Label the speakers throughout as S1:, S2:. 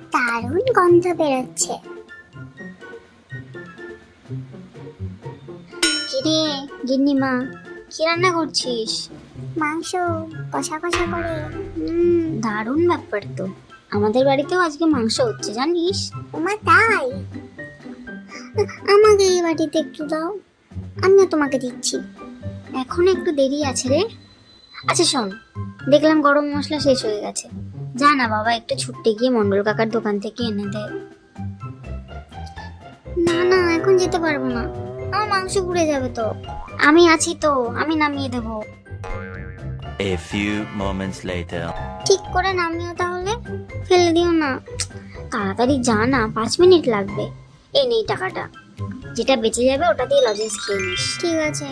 S1: দারুণ গন্ধ বেরোচ্ছে।
S2: কিরে গিন্নিমা, কি রান্না করছিস?
S1: মাংস কষা কষা করে।
S2: দারুণ ব্যাপার তো। আমাদের বাড়িতেও আজকে মাংস হচ্ছে জানিস।
S1: ওমা তাই? আমাকে এই বাটিতে একটু দাও, আমিও তোমাকে দিচ্ছি।
S2: এখন একটু দেরি আছে রে। আচ্ছা শোন, দেখলাম গরম মশলা শেষ হয়ে গেছে, যা না বাবা একটু ছুটতে গিয়ে মন্ডল কাকার দোকান থেকে এনে দে।
S1: না না, এখন যেতে পারবো না, আমার মাংস পুড়ে যাবে তো।
S2: আমি আছি তো, আমি নামিয়ে দেবো।
S3: A few moments later.
S1: ঠিক করে নামিও তাহলে, ফেলে দিও না।
S2: তাড়াতাড়ি যা না, 5 মিনিট লাগবে। এই নেই টাকাটা, যেটা বেঁচে যাবে ওটা দিয়ে লজেন্স খেয়ে নিস।
S1: ঠিক আছে।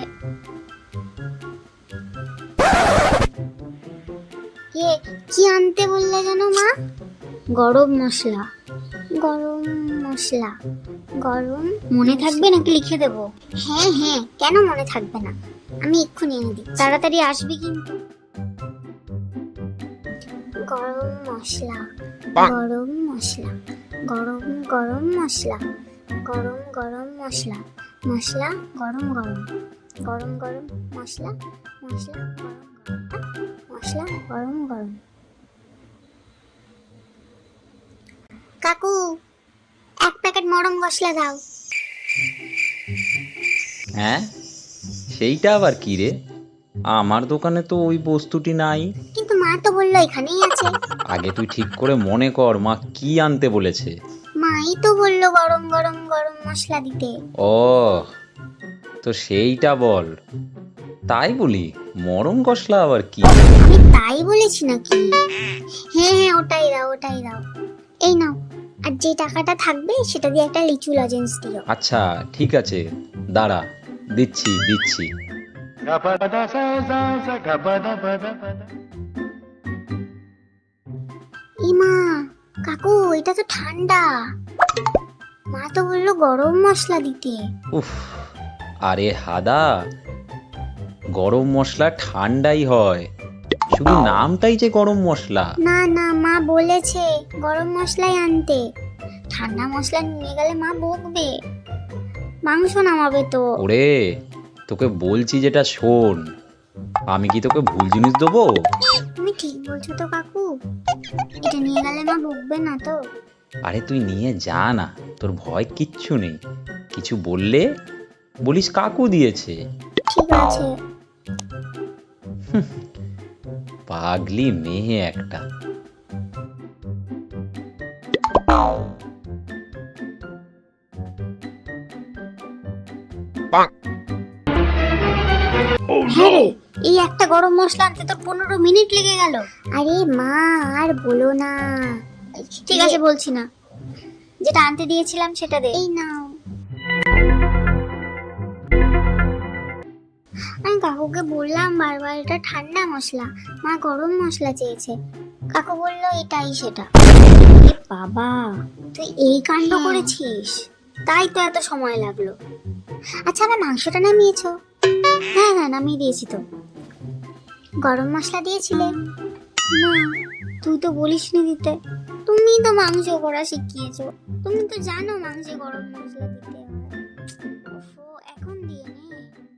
S1: কি আনতে বললে জানো মা?
S2: গরম মশলা।
S1: গরম মশলা? গরম
S2: মনে থাকবে নাকি লিখে দেবো?
S1: হ্যাঁ হ্যাঁ, কেন মনে থাকবে না, আমি এক্ষুনি এনে দিই।
S2: তাড়াতাড়ি আসবি কিন্তু।
S1: গরম মশলা, গরম মশলা, গরম গরম মশলা, গরম গরম মশলা, মশলা গরম গরম, গরম গরম মশলা, মশলা গরম গরম, মশলা গরম গরম। কাকু, 1 প্যাকেট মরম মশলা দাও।
S4: হ্যাঁ, সেইটা আবার কি রে? আমার দোকানে তো ওই বস্তুটি নাই।
S1: কিন্তু মা তো বললো এখানেই আছে।
S4: আগে তুই ঠিক করে মনে কর মা কি আনতে বলেছে।
S1: মাই তো বললো গরম গরম গরম মশলা দিতে।
S4: ও, তো সেইটা বল। তাই বলি মরম মশলা আবার কি?
S1: আমি তাই বলেছি নাকি? হ্যাঁ হ্যাঁ, ওটাই দাও ওটাই দাও। এই নাও, আর যে টাকাটা থাকবে সেটা দিয়ে একটা লিচু লজেন্স দিও।
S4: আচ্ছা ঠিক আছে, দাঁড়া, দিচ্ছি দিচ্ছি।
S1: ইমা, কাকু এটা তো ঠান্ডা। মা তো বললো গরম মশলা দিতে।
S4: উফ, আরে হাদা, গরম মশলা ঠান্ডাই হয়, শুধু নামটাই যে গরম মশলা।
S1: না না, মা বলেছে গরম মশলাই আনতে। ঠান্ডা মশলা নিয়ে গেলে মা বকবে, মাংস নামাবে তো।
S4: ওরে, তোকে বলছি যেটা শোন, আমি কি তোকে ভুল জিনিস দেবো?
S1: তুমি ঠিক বলছো তো কাকু, এটা নিয়ে গেলে মা বকবে না তো?
S4: আরে তুই নিয়ে যা না, তোর ভয় কিচ্ছু নেই। কিছু বললে বলিস কাকু দিয়েছে।
S1: ঠিক আছে।
S4: পাগলি মেয়ে একটা।
S2: হ্যাঁ রে, এই একটা গরম মশলা আনতে তোর 15 মিনিট লেগে গেল।
S1: আরে মা, আর বলো না।
S2: ঠিক আছে বলছি না, যেটা আনতে দিয়েছিলাম সেটা দে।
S1: এই নাও। আমি কাকুকে বললাম বারবার এটা ঠান্ডা মশলা, মা গরম মশলা চেয়েছে। কাকু বললো এটাই সেটা।
S2: এ বাবা, তুই এই কাণ্ড করেছিস, তাই তো এত সময় লাগলো।
S1: আচ্ছা, আমার মাংসটা নামিয়েছো?
S2: হ্যাঁ হ্যাঁ, নামিয়ে দিয়েছি তো।
S1: গরম মশলা দিয়েছিলে?
S2: না, তুই তো বলিসনি দিতে।
S1: তুমি তো মাংস করা শিখিয়েছো, তুমি তো জানো মাংসে গরম মশলা দিতে হয়। ওফো, এখন দিয়ে নে।